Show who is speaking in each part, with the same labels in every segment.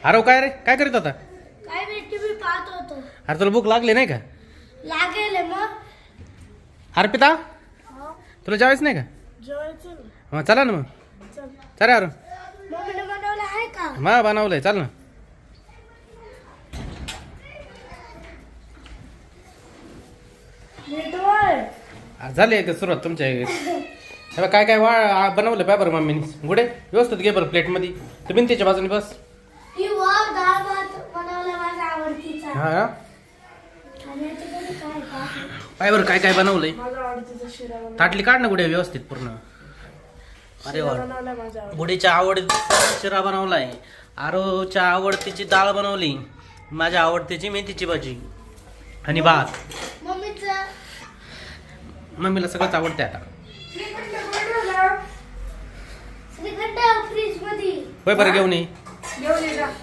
Speaker 1: अरे काय रे, काय करीत होता?
Speaker 2: काय मी टीव्ही पाहत होतो.
Speaker 1: अरे तुला भूक लागली नाही का?
Speaker 2: लागेल मग.
Speaker 1: अर्पिता
Speaker 2: हो,
Speaker 1: तुला जेवायचं नाही का?
Speaker 2: जेवायचं ना.
Speaker 1: मग चला ना मग.
Speaker 2: चल.
Speaker 1: चल यार.
Speaker 2: मम्मीने बनवलं आहे का?
Speaker 1: मग बनवलंय, चल ना. झाली का सुरुवात तुमच्या हे काय काय बनवलं पाय बरं मम्मीने. गुडे व्यवस्थित घे बरं प्लेटमध्ये. तू भिंतीच्या बाजूने बस.
Speaker 2: ही वाव डाळ भात बनवला माझा आवडतीचा.
Speaker 1: हा
Speaker 2: आणि याच्यामध्ये काय टाकलं?
Speaker 1: पाय बरं काय काय बनवलंय.
Speaker 2: माझा आवडतीचा शिरा बनवला.
Speaker 1: ताटली काढ ना गुडे व्यवस्थित पूर्ण. अरे वा,
Speaker 2: बनवला माझा आवडतीचा.
Speaker 1: गुडीच्या आवडतीचा शिरा बनवलाय. आरोच्या आवडतीची डाळ बनवली. माझ्या आवडतीची मेथीची भाजी आणि भात.
Speaker 2: मम्मीचा
Speaker 1: मम्मीला सगळंच आवडते आता.
Speaker 2: श्रीखंड फ्रीज मध्ये.
Speaker 1: होय बरं घेऊन ये.
Speaker 2: घेऊन ये जा.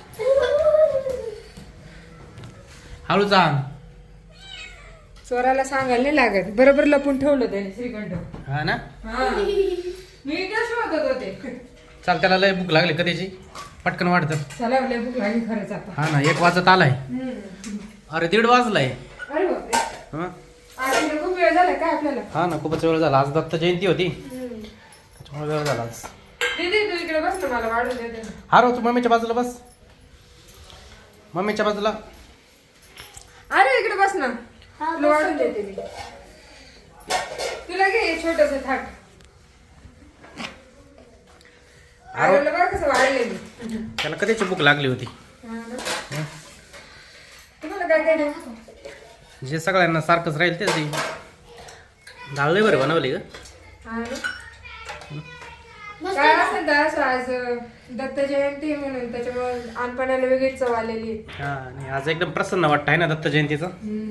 Speaker 1: हळू जा.
Speaker 3: चोराला सांगायला नाही लागत. बरोबर लपून ठेवलं त्याने श्रीखंड.
Speaker 1: हा ना.
Speaker 3: हा. मी काय शोधत होते.
Speaker 1: चाल, त्याला लय भूक लागली कधीची. पटकन वाटतं.
Speaker 3: चला लय भूक लागली खरंच आता.
Speaker 1: हा ना, 1 वाजत आलाय. अरे 1:30 वाजलाय.
Speaker 3: अरे बापरे.
Speaker 1: हा
Speaker 3: आज इकडे खूप वेळ झाला काय आपल्याला.
Speaker 1: हा ना, खूपच वेळ झाला. आज दत्त जयंती होती, त्याच्यामुळे वेळ झाला आज.
Speaker 3: दीदी तू इकडे बस ना, मला वाढून देते ना.
Speaker 1: हा रो, तू मम्मीच्या बाजूला बस. मम्मीच्या बाजूला.
Speaker 3: अरे इकडे बस ना,
Speaker 2: हा,
Speaker 3: तुला वाढून देते मी. तुला घे छोटस थाट. आरोला बघ कसं वाढले मी.
Speaker 1: त्याला कधीची भूक लागली होती.
Speaker 3: हा ना. तुम्हाला काय काय देऊ?
Speaker 1: जे सगळ्यांना सारखंच राहील तेच दे. डाळ लय बरं बनवली ग.
Speaker 3: हा ना.
Speaker 2: मस्त
Speaker 3: काय
Speaker 2: आहे.
Speaker 3: असेल तर असं आज दत्त जयंती म्हणून त्याच्यामुळे अनपणाला वेगळीच चव आलेली आहे.
Speaker 1: हा, आणि आज एकदम प्रसन्न वाटत आहे ना दत्त जयंतीचं.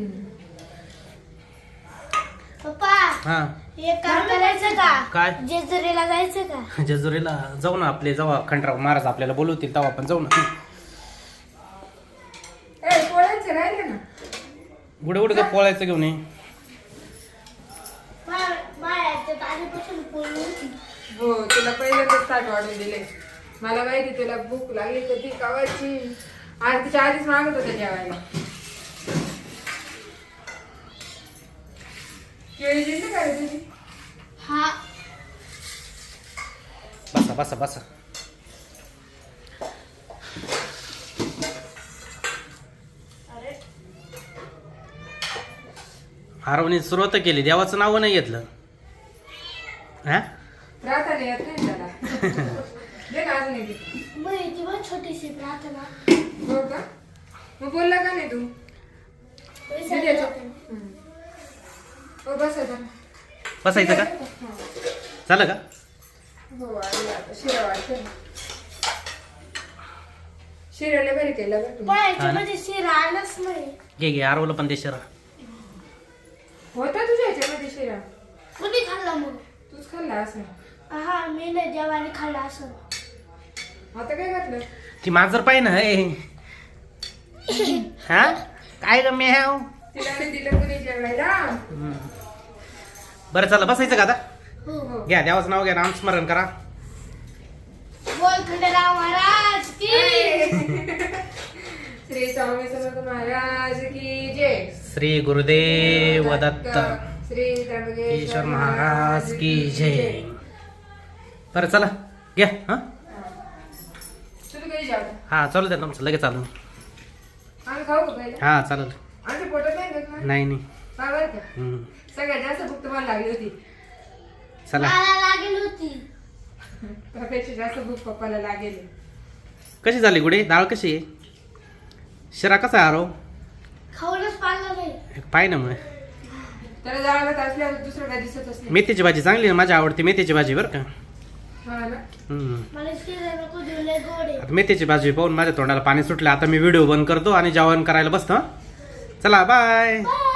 Speaker 2: पप्पा
Speaker 1: हा
Speaker 2: हे काम करायचं का?
Speaker 1: काय?
Speaker 2: जेजुरीला जायचं का?
Speaker 1: जेजुरीला जाऊ ना. आपले जेव्हा खंडराव महाराज आपल्याला बोलवतील तेव्हा आपण जाऊ ना.
Speaker 3: ए पोळ्यांचे राहिले ना.
Speaker 1: गुडे गुडे का पोळायचं घेऊन ये.
Speaker 2: बाळाच्या आधीपासून पोळी होती.
Speaker 3: हो तुला पहिल्यांदाच ताट वाढून दिले. मला माहिती तुला भूक लागली तर ती कावाची. आज तिच्या आधीच मागत होते जेवायला. केळी दिली का रे तुझी?
Speaker 2: हा,
Speaker 1: बसा बसा बसा.
Speaker 2: अरे
Speaker 1: आरवने सुरुवात केली, देवाचं नाव नाही घेतलं. हा
Speaker 3: प्रार्थना येत नाही त्याला. दे ना अजून एक.
Speaker 2: मग ती पण छोटीशी प्रार्थना.
Speaker 3: हो का? मग बोलला का नाही तू?
Speaker 2: विसरले होते.
Speaker 3: हो बस आता.
Speaker 1: बसायचं का? झालं का?
Speaker 3: हो आली आता. शिरा वाढते ना. शिराला बरी केलं बरं तुम्ही.
Speaker 2: बाळाच्या मध्ये शिरा आलाच नाही.
Speaker 1: घे घे, आरवला पण दे शिरा.
Speaker 3: होता तुझ्या ह्याच्यामध्ये शिरा?
Speaker 2: कुणी खाल्ला मग?
Speaker 3: तूच खाल्ला असं.
Speaker 2: हा, मी नाही देवाने खाल्ला असं.
Speaker 3: आता काय घातलं?
Speaker 1: ती मांजर पाहिजे ना. हे हा काय ग मेव.
Speaker 3: तिला नाही दिलं कुणी जेवायला.
Speaker 1: बरं चला, बसायचं का आता?
Speaker 2: हो.
Speaker 3: हो.
Speaker 1: घ्या, देवाचं नाव घ्या, नामस्मरण करा.
Speaker 2: बोल खंडेराव महाराज की.
Speaker 3: श्री स्वामी समर्थ महाराज की जय.
Speaker 1: श्री गुरुदेव दत्त
Speaker 3: श्री
Speaker 1: ईश्वर महाराज की जय. बरं चला घ्या. हा
Speaker 3: तुम्ही कधी जाऊ?
Speaker 1: हा चालू द्या तुमचं, लगेच चालू.
Speaker 3: आम्ही खाऊ का पहिला?
Speaker 1: हा चालेल.
Speaker 3: आमच्या पोटात नाही दुखत ना?
Speaker 1: नाही नाही.
Speaker 3: का बरं का?
Speaker 1: हम्म.
Speaker 3: सगळ्यात जास्त भूक तुम्हाला लागली होती.
Speaker 1: चला.
Speaker 2: मला लागेल होती.
Speaker 3: त्यापेक्षा जास्त भूक पप्पाला लागेल.
Speaker 1: कशी झाली गुडे? डाळ कशी आहे? शिरा कसा आहे आरव?
Speaker 2: खाऊनच पाहिलं नाही.
Speaker 1: पाय ना मग.
Speaker 3: त्याला जाळवत असल्यावर दुसरं काय दिसतच नाही.
Speaker 1: मेथीची भाजी चांगली आहे, माझी आवडती मेथीची भाजी बरं का.
Speaker 3: हा ना.
Speaker 2: मला शिरा नको देऊ, लय गोड आहे.
Speaker 1: आता मेथीची भाजी पाहून माझ्या तोंडाला पाणी सुटलं. आता मी व्हिडिओ बंद करतो आणि जेवण करायला बसतो. चला बाय.
Speaker 2: बाय.